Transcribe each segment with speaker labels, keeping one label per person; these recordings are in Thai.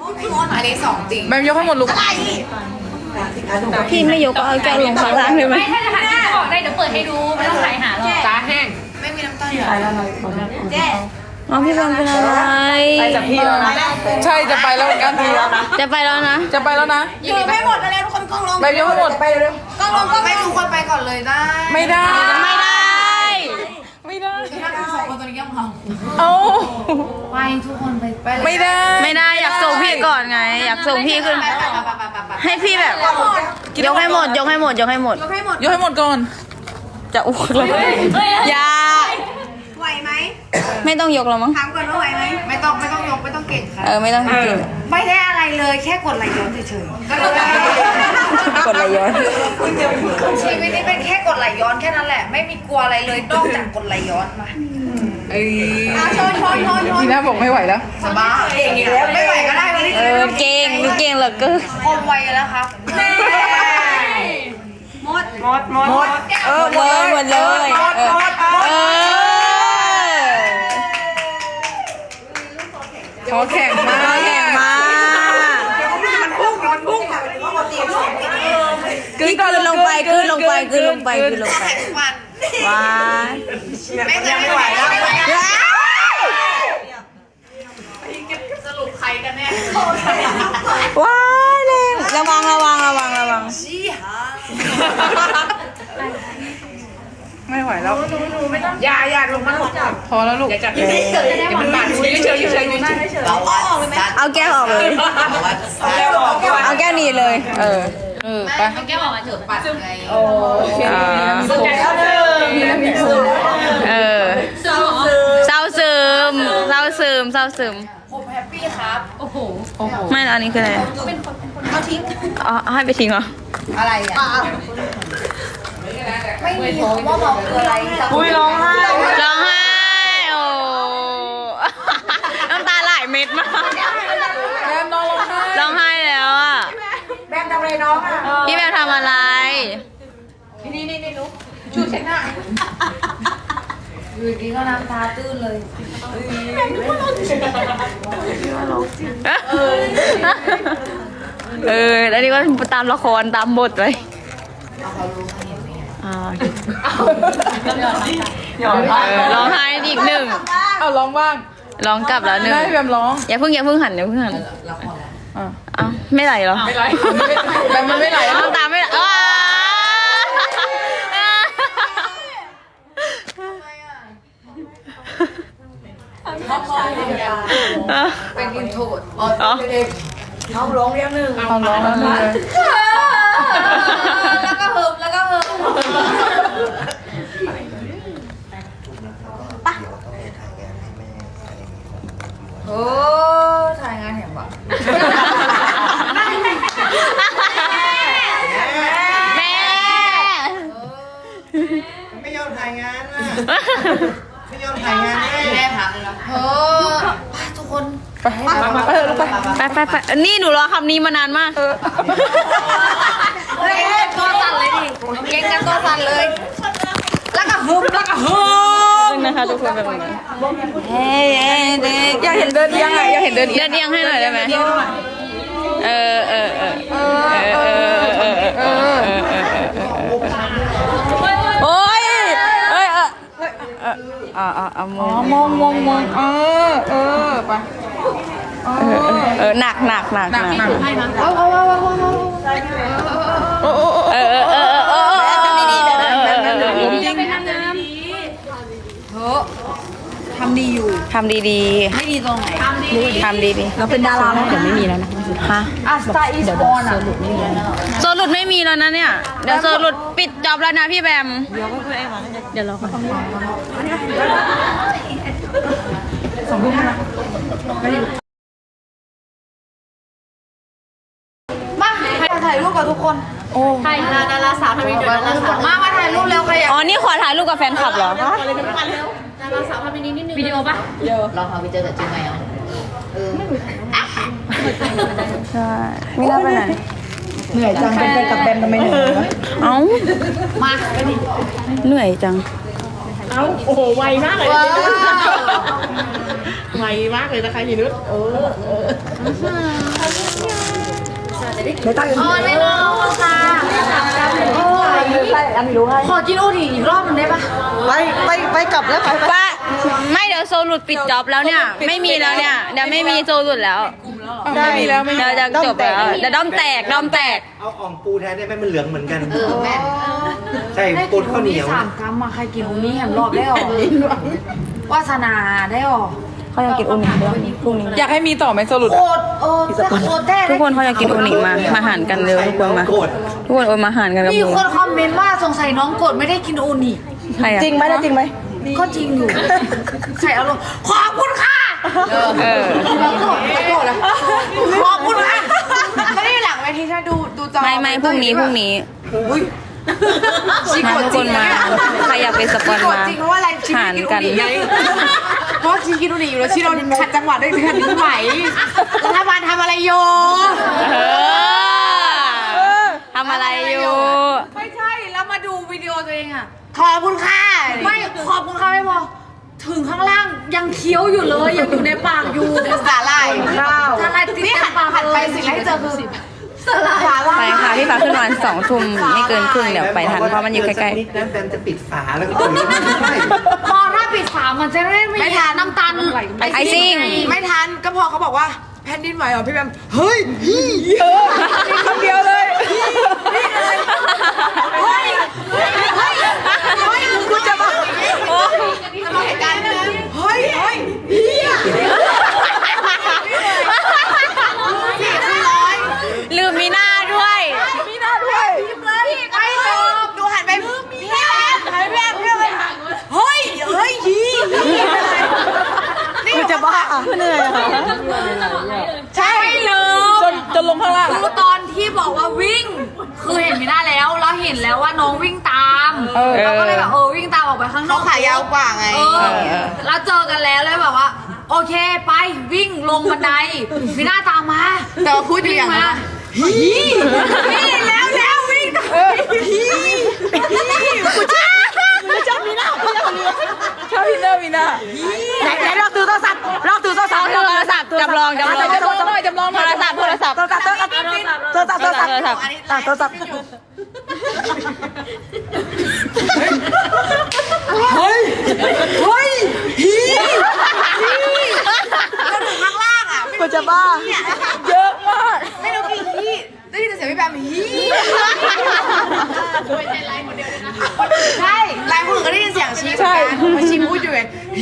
Speaker 1: อันนี้2จริง
Speaker 2: แบมยกให้หมดลูก
Speaker 3: พี่ไม่ยกก็เอาแก้วลงข้างล่างเลยไหม
Speaker 4: ไม่ถ้าจะหาที่บอกได้เดี๋ยวเปิดให้ดูไม่ต้องถ่ายหาหรอก
Speaker 2: ตาแห้ง
Speaker 1: ไม่มีน้ำตาลอยู่
Speaker 3: อ๋อพี่บอลเป็นอะไร
Speaker 2: ไปจากพี่แล้วนะใช่จะไปแล้วเหมือนกันพี่แล้วนะ
Speaker 3: จะไปแล้วนะ
Speaker 2: จะไปแล้วนะ
Speaker 1: ยืนไม่หมดเลยทุกคนกล้องลง
Speaker 2: แบมยกให้หมดไปเร็ว
Speaker 1: กล้องลงกล้องไม่ทุกคนไปก่อนเลยได้
Speaker 2: ไม่ได้
Speaker 3: ไม่ได้
Speaker 2: ไม่ได้
Speaker 1: ถ้าคุณ2คนตอนนี้ยังเมา
Speaker 2: เอา
Speaker 1: ไปทุกคนไปเลย
Speaker 2: ไม่ได้
Speaker 3: ไม่ได้อยากส่งพี่ก่อนไง อยากส่งพี่ขึ้น
Speaker 1: ไป
Speaker 3: ให้พี่แบบยกให้หมดยกให้หมดยกให้หมด
Speaker 1: ยกให้หมด
Speaker 2: ยกให้หมดก่อน
Speaker 3: จะอ้วกเลยอย่า
Speaker 1: ไหวไหม
Speaker 3: ไม่ต้องยกแล้วมั้ง
Speaker 1: ถามก่อนว่าไหวไหมไม่ต้องยกไม่ต้องเก่งค่ะ
Speaker 3: ไม่ต้องกิน
Speaker 1: ไม่ได้อะไรเลยแค่กดไหลย้อนเฉยๆ
Speaker 3: กดไหลย้อน
Speaker 1: ชีวิตนี้เป็นแค่กดไหลย้อนแค่นั้นแหละ ไม่มีกลัวอะไรเลยนอกจากกดไหลย้อนมาชน
Speaker 2: ทีน่าบอกไม่ไหวแล้ว
Speaker 1: สบายเก่งอีกแล้วไม่ไหวก็ได้วันนี้
Speaker 3: เก่งดูเก่งเหลือเกิน
Speaker 1: คมไวแล้วครับหมด
Speaker 3: หมดเลยหมดเลย
Speaker 2: ขอแข่งมา
Speaker 3: แข่งมาคืนลงไปคืนลงไปคืนลงไปคืนลงไป
Speaker 1: วัน
Speaker 3: ว้า
Speaker 1: ไม่ไหวแล้วสรุปใครกันแน่
Speaker 3: ว้ายแรงระวัง
Speaker 1: ชี้หา
Speaker 2: ไม่ไหวแล้วอย่าลงมาพอแล้วลูกอย่าจับเดี๋ยวมันบาดเฉย
Speaker 1: เราออกเลยไหม
Speaker 3: เอาแก้วออกเลยเอาแก้วนี้เลยไป
Speaker 4: แก้วออกมาเถอะ
Speaker 1: ปัดไง
Speaker 4: สนใจเขาเลย
Speaker 3: เศร้าซึม
Speaker 1: ผมแฮปปี้ครับ
Speaker 4: โอ้โห
Speaker 3: ไม่อันนี้คืออะไรเอาทิ้งอ๋อให้ไปทิ้งเหรอ
Speaker 1: อะไรอ่ะไม่มีคำว่าเมาคืออะไร
Speaker 3: ร้องไห้โอ้น้ำตาไหลเม็ดมาก
Speaker 2: แบมน้องร้องไห้
Speaker 3: ร้องไห้แล้วอ่ะ
Speaker 1: แบมทำอะไรน้องอ่ะ
Speaker 3: พี่แบมทำอะไร
Speaker 1: นี่ลูกชูเช็ดหน้าอยู่ดีก็น้ำตาตื้นเลย
Speaker 3: แล้วนี่ก็ตามละครตามบทเลยร้องไห้อีกหนึ่ง
Speaker 2: เอาร้องบ้าง
Speaker 3: ร้องกลับแล้วหนึ่ง
Speaker 2: ได้แบมร้อง
Speaker 3: อย่าเพิ่งหันอ้าวไม่ไหลเหรอ
Speaker 2: ไม่ไหลแบมมันไม่ไหล
Speaker 3: น้ำตาไม่ไหล
Speaker 1: เป็นอินโทรด
Speaker 3: อ๋อ
Speaker 1: น้องร้องเรียงหนึ่ง
Speaker 2: เอาร้องแล้วเลย
Speaker 1: แล้วก็เฮิมโอ้ถ่ายงานเห็นปะ
Speaker 3: แม่
Speaker 5: ไม่ยอมถ่ายงานอ่ะ ไม่ยอมถ่ายงานให้
Speaker 1: แม่ถามเลยนะไปทุกคน
Speaker 2: ไปลูกไป
Speaker 3: ไปนี่หนูรอคำนี้มานานมาก
Speaker 1: เฮ้ยตัวสั่นเลยดิเก่งกันตัวสั่นเลย แล้วก็ฮึม
Speaker 3: นะคะทุกคนแบบนี้เฮ้ยเด็ก
Speaker 2: อยากเห็นเดินเอียงอ่ะอยากเห็นเดินเอี
Speaker 3: เดิ
Speaker 2: ยง
Speaker 3: นเอียงให้หน่อยได้ไหมโอ้ย
Speaker 2: มองไป
Speaker 3: หนัก
Speaker 2: ผมจริง
Speaker 1: ทำดีอยู่
Speaker 3: ทำดี
Speaker 1: ไม่ดีตรงไหน
Speaker 3: ๆทำดี
Speaker 1: เราเป็นดาราแล้วเดี๋ยวไม่มีแล้วนะ
Speaker 3: ๆฮะ
Speaker 1: สตาร์อีสปอนอ่ะ
Speaker 3: โซลุดไม่มีแล้วนะเนี่ยเดี๋ยวโซลุดปิดจอบแล้วนะพี่แบมเดี๋ยวรอก่อน
Speaker 1: มาถ่ายรูปกับทุกคน
Speaker 4: ถ่ายดาราสาวทำนี้เดี๋ยวดาราสาว
Speaker 1: มาถ่ายรูปเร็วใครอยาก
Speaker 3: อ๋อนี่ขอถ่ายรูปกับแฟนคลับเหรอ
Speaker 4: ดาราสาวทำนี้นิดนึงวิดีโอปะ
Speaker 1: ลองเอาไปเจอกับจริงไหมอ่ะ
Speaker 3: ใช่ไม่น่าไปไหน
Speaker 5: เหนื่อยจังเป็นแฟนกับแบมทำไมเหนื่อย
Speaker 3: เอ้า
Speaker 1: มา
Speaker 3: เหนื่อยจัง
Speaker 4: โอ้โหไวมากเลยไวมากเลยนะคะยีนุช
Speaker 1: ไม่รอค่ะขอกินโอทีอีกรอบนึงได้ปะ
Speaker 5: ไปกลับแล้วไป
Speaker 3: ว่าไม่เดี๋ยวโซลุดปิดจ็อบแล้วเนี่ย ไม่มีแล้วเนี่ยเดี๋ยวไม่มีโซลุดแล้ว
Speaker 2: ไม่มีแล้วไม่มี
Speaker 3: เดี๋ยวจะจบแล้วเดี๋ยวด้อมแตก
Speaker 5: เอาอ่องปูแทนได้ไหมมันเหลืองเหมือนกันใช่ปูข้าวเหนียว
Speaker 1: สามกรัมมาใครกินอูนี่แหมรอบได้หรอวาสนาได้หรอ
Speaker 3: เขาอยากกินอูนิด้วยพรุ่งนี้
Speaker 2: อยากให้มีต่อไหมโซลุด
Speaker 1: โคตรโคตรแท้
Speaker 3: ทุกคนเขาอยากกินอูนิมาหารกันเร็วทุกคนมา
Speaker 5: โกรธ
Speaker 3: ทุกคนโอนมาหารกันกับ
Speaker 1: มี
Speaker 3: หมู
Speaker 1: คนคอมเมนต์ว่าสงสัยน้องกดไม่ได้กินอูนี่
Speaker 3: ใครอะ
Speaker 5: จริงไหมนะจริงไหม
Speaker 1: ก็จริงอยู่ใส่อารมณ์ขอบคุณค่ะ
Speaker 3: เออ
Speaker 1: โกรธแล้วขอบคุณค่ะไม่ได้หลังเวทีใช่ดูจอ
Speaker 3: ไม่พรุ่งนี้มาทุกคนมาใครอยากเป็นสปอนมา
Speaker 1: จริงเพราะว่าอะไรชี
Speaker 3: หาร
Speaker 1: กิน
Speaker 3: กัน
Speaker 1: อูนี่ไงเพราะชีกินอูนี่อยู่แล้วชีโดนขัดจังหวะด้วยขัดนิ้วไหวรัฐบาลทำอะไรอยู่
Speaker 3: ทำอะไรอยู่
Speaker 1: ไม่ใช่แล้วมาดูวิดีโอตัวเองอะขอบคุณค่ะไม่ขอบคุณค่ะไม่พอถึงข้างล่างยังเคี้ยวอยู่เลยยังอยู่ในปากอยู่สาหร่ายข้าวสาหร่ายนี่หันไปสิ่งแรกที่เจอคือสาหร่าย
Speaker 3: ไปค่ะพี่ฟ้าขึ้นวัน2 ทุ่มไม่เกินครึ่งเดี๋ยวไปทันเพราะมันอยู่ใกล้
Speaker 5: นิดนั้นแบมจะปิดฝาแล้วก็ตุ๋นไม่ใช่
Speaker 1: พอถ้าปิดฝามันจะไม่ทานน้ำตาล
Speaker 3: ๆไอซิ่ง
Speaker 1: ไม่ทันก็พอเขาบอกว่าแผ่นดินไหวเหรอพี่แบมเฮ้ย
Speaker 2: คำเดียวเลย
Speaker 1: คุณจะบอกจะบอกเหตุการณ์นั้นเฮ้ย
Speaker 3: ลืมมีหน้าด้วย
Speaker 1: ไม่จบดูหันไปพี่แบมเฮ้ยนี่จะบ้าเหนื่อยใช่เลย
Speaker 2: จนลงข้างล่าง
Speaker 1: คือตอนที่บอกว่าวิ่ง คือเห็นไม่ได้แล้วเราเห็นแล้วว่าน้องวิ่งตามเราก็เลยแบบวิ่งตามออกไปข้างนอกขายาวกว่าไงแล้วเจอกันแล้วเลยแบบว่า โอเคไปวิ่งลงบันไดมีหน้าตามมาแต่พูดอยู่อย่างนั้นนี่แล้ววิ่ง
Speaker 2: ชอบพี่เนอร์มีหน้า
Speaker 3: ไหนลองถือโทรศัพท์จำลองโทรศัพท์โทรศัพท์
Speaker 1: ข้างล่างอ่ะ
Speaker 2: กูจะบ้าเยอะมาก
Speaker 1: ไม่รู้กี่ที่ได้ยินเสียงพี่แบมใช่ไลน์คนอื่นก็ได้ยินเสียงชี้เหมือนกันมาชี้พูดอยู่ไง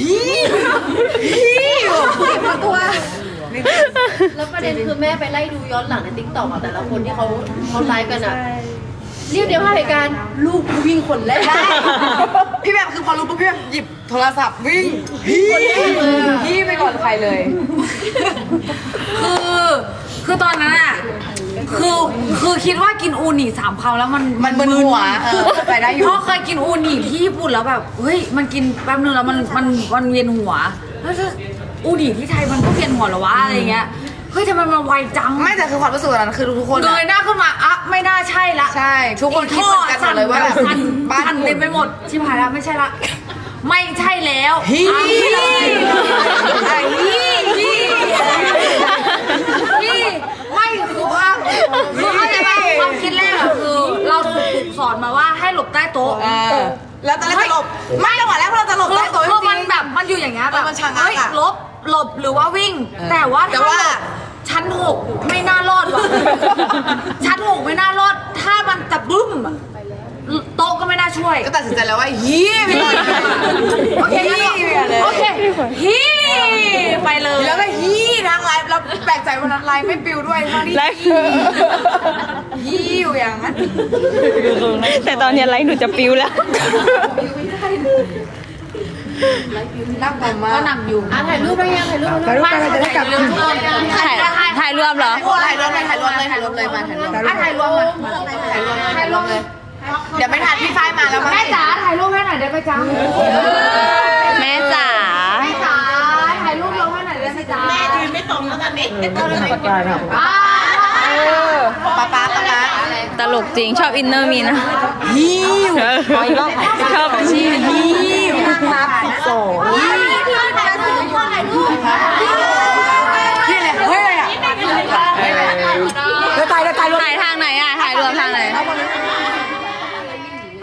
Speaker 1: ตัว
Speaker 4: แล้วประเด็นคือแม่ไปไล่ดูย้อนหลังในติ๊กต็อกแต่ละคนที่เขาไลฟ์กันอะเรียกเดียวให้เหตุการณ์ลูกวิ่งคนแรก
Speaker 1: พี่แบมคือพอรู้ปุ๊บพี่แบมหยิบโทรศัพท์วิ่งพี่ไปก่อนใครเลยคือตอนนั้นอ่ะคือคิดว่ากินอูนิ3 คำแล้วมันมึนหัวไปได้อยู่เพราะเคยกินอูนิที่ญี่ปุ่นแล้วแบบเฮ้ยมันกินแป๊บนึงแล้วมันเวียนหัวแล้วอูนิที่ไทยมันก็เวียนหัวเหรอวะอะไรเงี้ยเฮ้ยทำไมมันไวจังไม่แต่คือความรู้สึกตอนนั้นคือทุกคนเงยหน้าขึ้นมาอ่ะไม่น่าใช่ละใช่ทุกคนคิดเหมือนกันหมดเลยว่าแบบบ้านเต็มไปหมดชิบหายแล้วไม่ใช่ละไม่ใช่แล้วพี่ไม่สุภาพคือเข้าใจไหมความคิดแรกคือเราถูกสอนมาว่าให้หลบใต้โต๊ะแล้วตอนแรกจะหลบไม่จังหวะแรกเราจะหลบใต้โต๊ะคือมันแบบมันอยู่อย่างเงี้ยแบบเฮ้ยหลบหรือว่าวิ่งแต่ว่าชั้น 6ไม่น่ารอดว่ะชั้น 6ไม่น่ารอดถ้ามันจะบึ้มโต๊ะก็ไม่น่าช่วยก็ตัดสินใจแล้วว่าฮีไปเลยโอเคโอเคฮีไปเลยแล้วก็ฮีทางไลฟ์แล้วแปลกใจวันนั้นไลฟ์ไม่ปิวด้วยทั้งที่ฮีอยู่อย่างนั้น
Speaker 3: แต่ตอนนี้ไลฟ์หนูจะปิวแล้ว
Speaker 1: นั่งผมมาก็นั่งอยู่
Speaker 4: ถ่ายรูปได้ยังถ่ายรูป
Speaker 1: กันจะได้กลับ
Speaker 3: ถ่ายรวมเหรอ
Speaker 1: ถ่ายรวมเลยมาถ่ายรวมเลยเดี๋ยวไม่ทันพี่ฝ้ายมาแล้วแม่จ๋าถ่ายรูปให้หน่อยได้ไหมจ๊ะ
Speaker 3: แม่จ๋า
Speaker 1: แม่จ๋าถ่ายรูปลงให้หน่อยได้ไหมจ๊ะแม่ยืนไม่ตรงแล้วตอนนี้ป้า
Speaker 3: ตลกจริงชอบอินเนอร์มีนะชอบชี
Speaker 1: ครับ12นี่เลยเฮ้ยอะไรอ่ะแล้วตายรถ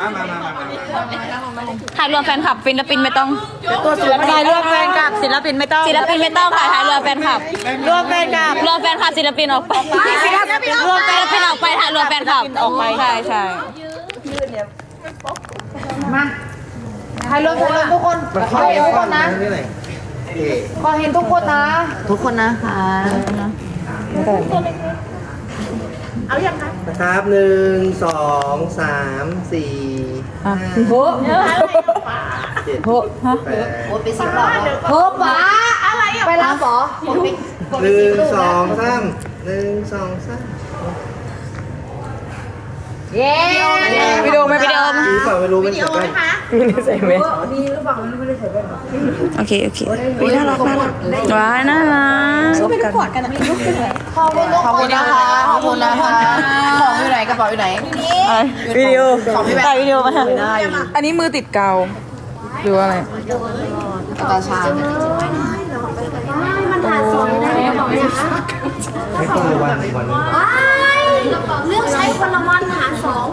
Speaker 3: ถ่ายรวมแฟนคลับศิลปินไม่ต้อง
Speaker 2: ถ่ายรวมแฟนกับศิลปินไม่ต้อง
Speaker 3: ศิลปินไม่ต้องค่ะถ่ายรวมแฟนคลับ
Speaker 2: รวมแฟนกับ
Speaker 3: รวมแฟนคลับศิลปินออกไปรวมศิลปินออกไปถ่ายรวมแฟนคลับออกไปใช่ใช่
Speaker 1: ถ่ายรวมทุกคนขอเห็นทุกคนนะขอเห็นทุกคนนะ
Speaker 3: ทุกคนนะคะ
Speaker 5: นะครับ1 2 3 4 5
Speaker 1: โห
Speaker 5: 7
Speaker 1: โห
Speaker 5: 8
Speaker 4: โอ้ไปสิบรอบแล้ว
Speaker 1: โหป๋าอะไรอ่ะไปรับเหรอ
Speaker 4: ผมไปกดไป
Speaker 5: 1
Speaker 4: สิบรูปแล้ว
Speaker 5: 2 3 1 2 3
Speaker 1: เย้
Speaker 2: วิดีโอไหม
Speaker 3: วิดีโอ
Speaker 5: มีเปล่าไม่รู้เป็นแบบว่า
Speaker 3: โอเคโอเคน่ารักน่ารักว้ายน่ารัก
Speaker 1: ขอบคุณทุกคนนะคะขอบคุณนะคะของอยู่ไหนกระเป๋าอยู่ไหน
Speaker 2: วิดีโอ
Speaker 3: ถ่ายวิดีโอมา
Speaker 2: อันนี้มือติดเกาหรือว่าอะไร
Speaker 1: ตาชา
Speaker 5: ไม่ต้องเลยวันนี้
Speaker 4: เรื่องใช้คนละวันหารสอง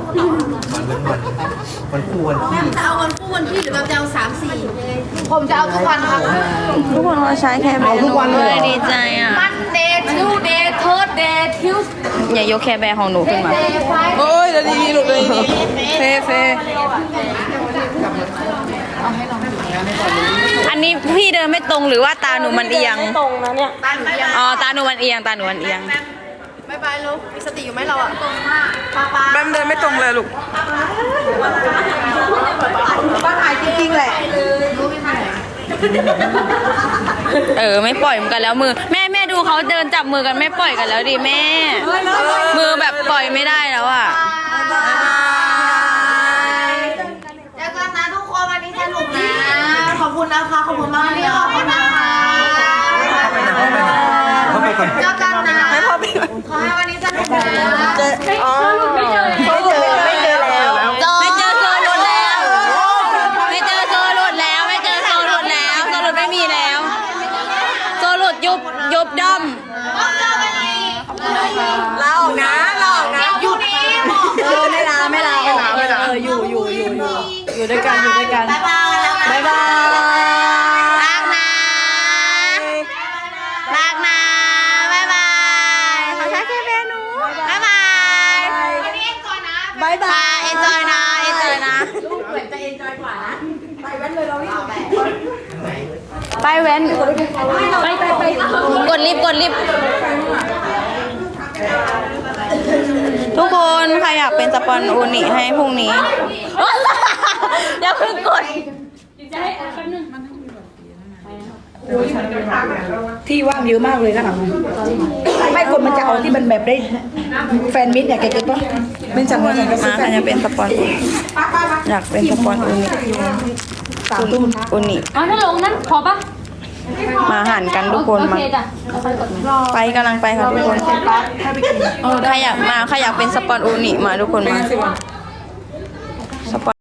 Speaker 5: วันคู่วันที่
Speaker 4: จะเอาวันคู่วันที่หรือแบบจะเอา3-4
Speaker 1: ผมจะเอาทุกวันครับ
Speaker 3: ทุกคนเราใช้แค่แบร์ทุกวันเลยดีใจอ่ะ
Speaker 1: Monday Tuesday Thursday Tuesday
Speaker 3: อย่ายกแค่แบร์ของหนูขึ้นมา
Speaker 1: Friday
Speaker 2: โอ้ยจะดีๆลูกเลยดีเฟ่
Speaker 3: อันนี้พี่เดินไม่ตรงหรือว่าตาหนูมันเอียงตรงนะเนี่ยอ๋อตาหนูมันเอียงตาหนูมันเอียง
Speaker 4: บายบายลูกมีสติอยู่ไหมเราอ่ะ
Speaker 2: แบมเดินไม่ตรงเลยลูก
Speaker 1: บ้านหายจริงๆแหละ
Speaker 3: ไม่ปล่อยเหมือนกันแล้วมือแม่ดูเขาเดินจับมือกันไม่ปล่อยกันแล้วดิแม่ มือแบบปล่อยไม่ได้แล้วอ่ะ
Speaker 1: เจอกันนะทุกคนวันนี้สนุกนะ ขอบคุณนะคะ ขอบคุณมากเลยขอบคุณนะคะ
Speaker 5: เข้าไปก่อน
Speaker 1: เจอกันนะขอให้วันนี้สนุกนะ
Speaker 2: ไม่เจอแล้ว
Speaker 3: ไม่เจอโซลุดแล้ว ไม่เจอโซลุดแล้ว ไม่เจอโซลุดแล้วโซลุดไม่มีแล้ว โซลุดยุบด้อม
Speaker 2: ลาออกนะลาออกนะ
Speaker 1: หยุดนี้
Speaker 3: ไม่ลาอยู่ด้วยกันอยู่ด้วยกัน
Speaker 1: บ๊ายบาย
Speaker 3: บ๊ายบายรักนะรักนะ บ๊ายบายขอใช้แค่เมนูบ๊ายบาย
Speaker 1: วันนี้เอ็นจอยนะ
Speaker 3: บ๊ายบายเอ็นจอยนะเอ็นจอยนะ
Speaker 1: เหมือนจะเอ็นจอยกว่านะ ไปแว้นเลยเรานี่
Speaker 3: ไปแว้นไปกดลิฟต์ทุกคนใครอยากเป็นสปอนโอนิให้พรุ่งนี้ อย่าเพิ่งกด
Speaker 6: ที่ว่างเยอะมากเลยนะคะไม่คนมันจะเอาที่มันแบบได้แฟนมิตรเนี่ยแกเก็ตปะเป็นจังหวะก็ซื้อ
Speaker 3: มา
Speaker 6: แฟ
Speaker 3: ใคร
Speaker 6: น
Speaker 3: จะเป็นสปอนอยากเป็นสปอนโอนิ
Speaker 6: 3 ทุ่ม
Speaker 3: โอนิ
Speaker 7: อ๋อถ้าลงนั้นพอปะ
Speaker 3: มาหันกันทุกคน
Speaker 7: โอ
Speaker 3: มา
Speaker 7: เคจ้ะ
Speaker 3: ไปกำลังไปค่ะทุกคนใครอยากเป็นสปอนโอนิมาทุกคนมาสปอน